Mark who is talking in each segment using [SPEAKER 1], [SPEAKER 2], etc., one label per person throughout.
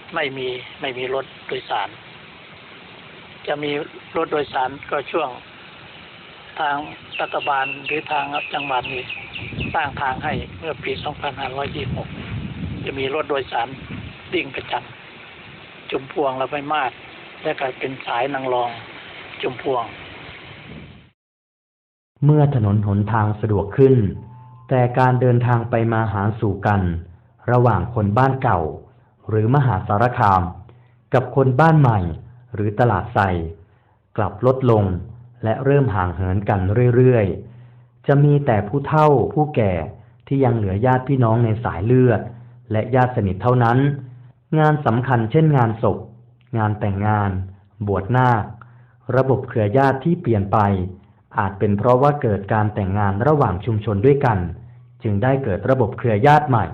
[SPEAKER 1] ไม่มีรถโดยสารจะมีรถโดยสารก็ช่วงทางรัฐบาลหรือทางจังหวัดนี้สร้างทางให้เมื่อปี 2526 จะมีรถโดยสารวิ่งประจำจุมพวงและไม่มากและก็เป็นสายนางรองจุมพวง
[SPEAKER 2] เมื่อถนนหนทางสะดวกขึ้นแต่การเดินทางไปมาหาสู่กันระหว่างคนบ้านเก่าหรือมหาสารคามกับคนบ้านใหม่หรือตลาดไทรกลับลดลงและเริ่มห่างเหินกันเรื่อยๆจะมีแต่ผู้เฒ่าผู้แก่ที่ยังเหลือญาติพี่น้องในสายเลือดและญาติสนิทเท่านั้นงานสำคัญเช่นงานศพงานแต่งงานบวชนาคระบบเครือญาติที่เปลี่ยนไปอาจเป็นเพราะว่าเกิดการแต่งงานระหว่างชุมชนด้วยกันจึงได้เกิดระบบเครือญาติใหม่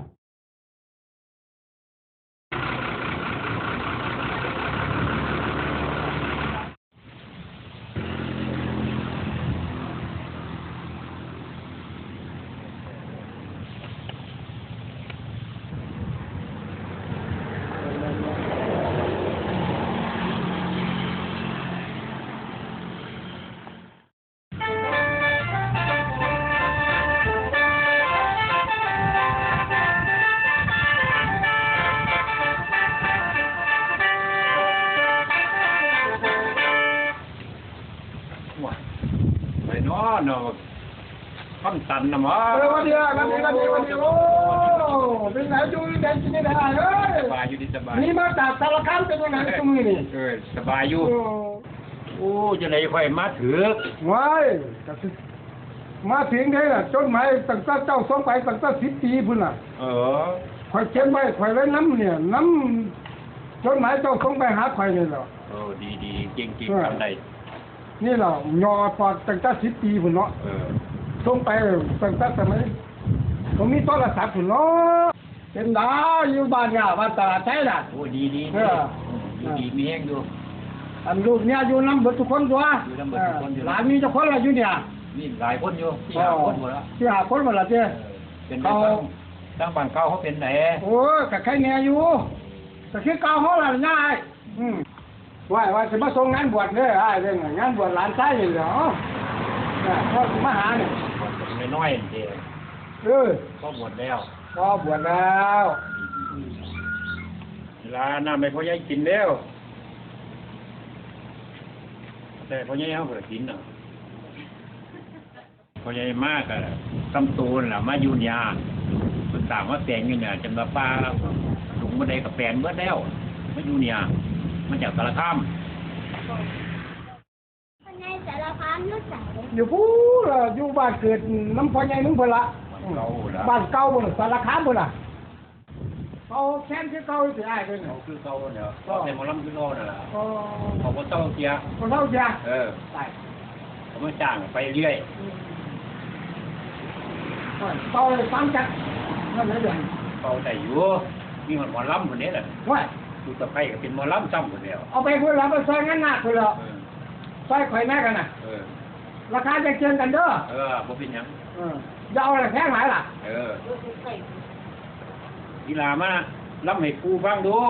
[SPEAKER 3] เนาะขั้นตันนะมั้ง
[SPEAKER 4] วันเดียวโอ้เป็นไงอยู่ได้กินได้เฮ้ย
[SPEAKER 3] สบายอยู่ดีสบาย
[SPEAKER 4] นี่มาจากสารคามเป็นยังไงตรงนี้นี่
[SPEAKER 3] สบายอยู่โอ้จะไหนค่อยมาถือ
[SPEAKER 4] ว้ายมาถึงได้ล่ะจนหมายตั้งแต่เจ้าส่งไปตั้งแต่10 ปีพุ่นน่ะข่อยเขียนไว้ข่อยไว้น้ำเนี่ยน้ำจนหมายเจ้าส่งไปหาข่อยนี่แหละ
[SPEAKER 3] ดีเก่งทำได้
[SPEAKER 4] นี่เรายอพอตั้งแต่10 ปีพุ่นเนาะส่งไปตั้งแต่สมัยผมมีโทรศัพท์พุ่นเนาะเป็นดาวอยู่บ้านเนี่ยบ้านตลาดไทยน่ะ
[SPEAKER 3] โอ้ดีมีแห้งอยู่
[SPEAKER 4] อันลูกเนี่ยอยู่น้ำเบิดทุกคนตัวหลานมีเจ้าคนละอยู่เนี่ย
[SPEAKER 3] นี่หลายคนอยู่4-5 คนหมดแล้ว
[SPEAKER 4] 4-5 คนหมดแล้วเจ้
[SPEAKER 3] เป็นเขาตั้งบ้านเก่าเขาเป็นไหน
[SPEAKER 4] โอ้ยกับใครเนี่ยอยู่แต่คือเก่าเขาละง่ายว่าจะมาส่งงานบวชเนี่ยเรื่องงานบวชหลานชายอยู่เหรอพ่อมาหาเนี่ย
[SPEAKER 3] น้อยเดียวก็บวชแล้ว
[SPEAKER 4] ก็บวชแล้ว
[SPEAKER 3] เวลาน้ำไม่พอยังกินแล้วแต่พอยังเขาเปิดกินเนาะพอยังมากอะตำตูนล่ะมายุนยาสุดต่างว่าแปลงอยู่เนี่ยจำละป้าลุงมาได้กับแปลงเมื่อแล้วมายุนยามาจากสารคาม
[SPEAKER 5] สารคามรู้จัก
[SPEAKER 4] อยู่พูดอยู่บ้านเกิดน้ำพอใหญ่นุ่งเพละบ้านเก่าบนสารคามบนล่ะเขาแค้นคือเก่าสิไอ้เป็น
[SPEAKER 3] เขาคือเก่าเนี่ยก็ในมอลล์คือเก่าน่ะเขาก็เต้าเกียร์
[SPEAKER 4] ใช่
[SPEAKER 3] เขามาจ้างไปเรื่อย
[SPEAKER 4] เต้าฟังจัดนั่นเลยเดือน
[SPEAKER 3] เต้าแต่อยู่มีหมอลล์คนนี้แหละ
[SPEAKER 4] ว่า
[SPEAKER 3] ดูตะไคร้ก็เป็นมอลล์ซ้ำคนเดียว
[SPEAKER 4] เอาไปพูดแล้วไปซอยงั้นหนักคนละซอยข่อยแม่กันน่ะราคาจะเชิญกันเด้อ
[SPEAKER 3] บ่เป็นยัง
[SPEAKER 4] จะเอาอะไรแพงหลายล่ะ
[SPEAKER 3] กีฬามาล้ำให้ครูฟังดู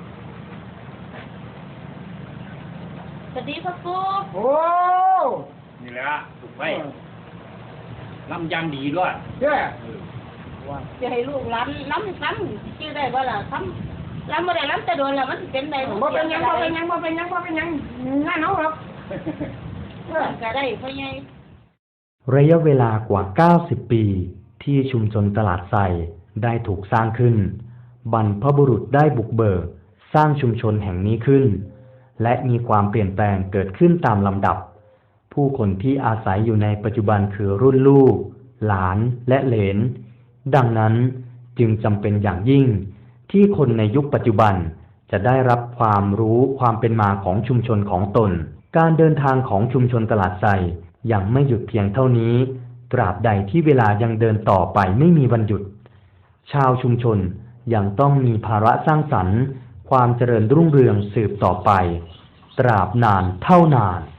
[SPEAKER 5] สวัสดีพ่อครู
[SPEAKER 4] โอ้
[SPEAKER 3] นี่แหละถูกไหมล้ำยังดีด้วย
[SPEAKER 5] จะให้ลูกล้ำซ้ำชื่อได้บ่ล่ะซ้ำล้ำบ่ได้ล้ำแต่โดนแล้วมันเป็นได้
[SPEAKER 4] บ่เป็นยังงั้นเอาหรอก
[SPEAKER 5] ก็ได้พ่อใหญ่
[SPEAKER 2] ระยะเวลากว่า90 ปีที่ชุมชนตลาดไทรได้ถูกสร้างขึ้นบรรพบุรุษได้บุกเบิกสร้างชุมชนแห่งนี้ขึ้นและมีความเปลี่ยนแปลงเกิดขึ้นตามลำดับผู้คนที่อาศัยอยู่ในปัจจุบันคือรุ่นลูกหลานและเหลนดังนั้นจึงจำเป็นอย่างยิ่งที่คนในยุคปัจจุบันจะได้รับความรู้ความเป็นมาของชุมชนของตนการเดินทางของชุมชนตลาดไทรยังไม่หยุดเพียงเท่านี้ตราบใดที่เวลายังเดินต่อไปไม่มีวันหยุดชาวชุมชนยังต้องมีภาระสร้างสรรค์ความเจริญรุ่งเรืองสืบต่อไปตราบนานเท่านาน